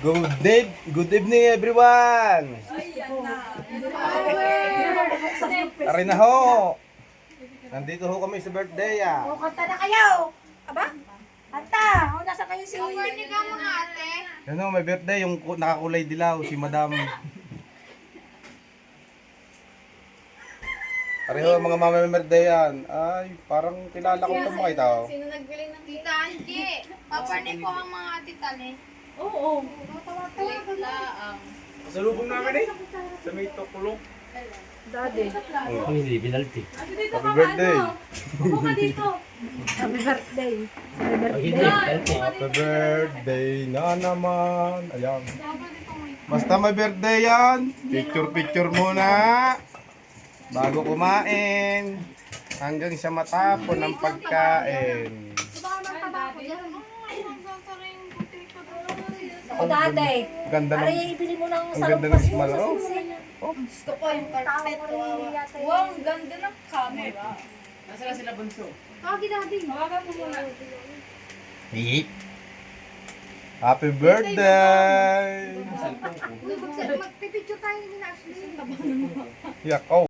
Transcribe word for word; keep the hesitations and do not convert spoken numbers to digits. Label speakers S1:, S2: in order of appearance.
S1: Good day, good evening everyone. Tara na ho. Nandito ho kami sa birthday ah.
S2: O, kanta na kayo! Aba? Kanta! O, nasa kayo si...
S3: Birthday ka mga ate.
S1: Yan ho, may birthday yung ku- nakakulay dilaw, si Madam. Pareho mga mama may birthday yan. Ay, parang kilala ko itong mga ito.
S3: Sino nagbili ng Tita Angie? Paparni ko ang mga ate tali.
S2: Oo.
S3: Late laang.
S4: Salubong namin eh. Sa may tukulong.
S2: Daddy.
S5: Ang hindi binalti.
S1: Happy birthday.
S2: Upo ka dito. Happy birthday. Happy
S5: Ang hindi
S2: birthday.
S5: binalti.
S1: Happy birthday na naman. Ayan. Basta may birthday yan. Picture-picture muna. Bago kumain. Hanggang sa matapon ng pagkain.
S3: Baka magtaba ko dyan. Ay, nagsasara yung potato doon.
S2: O, daddy.
S1: Ganda ng...
S2: Aray, ibili mo ng
S1: Ang
S2: sarong
S1: ganda ng
S2: pas mo
S1: smell,
S2: sa
S1: oh.
S2: sinsin.
S3: Gusto ko yung carpet.
S2: Wow,
S3: ang ganda ng camera.
S4: Nasa na sila bunso?
S3: Kagi daddy. Hawakan mo muna.
S1: Eat. Happy birthday!
S3: Magpipicture tayo ni Ashley.
S1: Yak, oh.